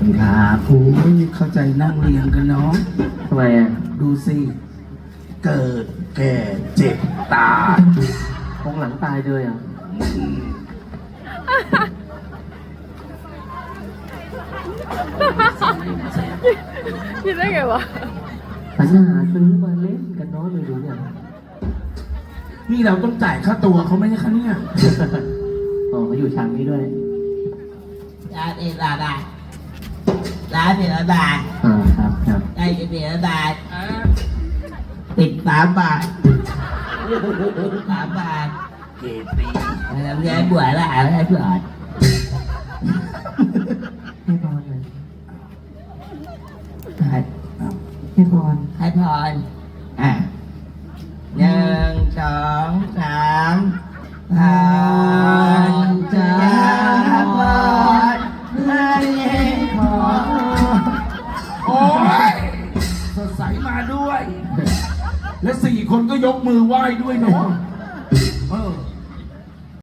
คุณครับโอ้ยเข้าใจนั่งเรียงกันเนาะทำไมอ่ะดูสิ เกิดแก่เจ็บตายคงหลังตายเลยอ่ะคิดได้ไงวะปัญหาซื้อมาเล่นกันเน้อยไม่รู้เนี่ยนี่เราต้องจ่ายค่าตัวเขาไหมคะเนี่ยอ๋อเขาอยู่ฉากนี้ด้วยร้านเอราดาร้านเอราดาครับครับได้เอราดาปิด3 บาท3 บาทเกตีแล้วยายบวชแล้วให้เพื่อนให้พรเลยให้ให้พรให้พร1 2 3พรจะพรให้พรโอ้ยสดใสมาด้วย และ4 คนก็ยกมือไหว้ด้วยเนาะ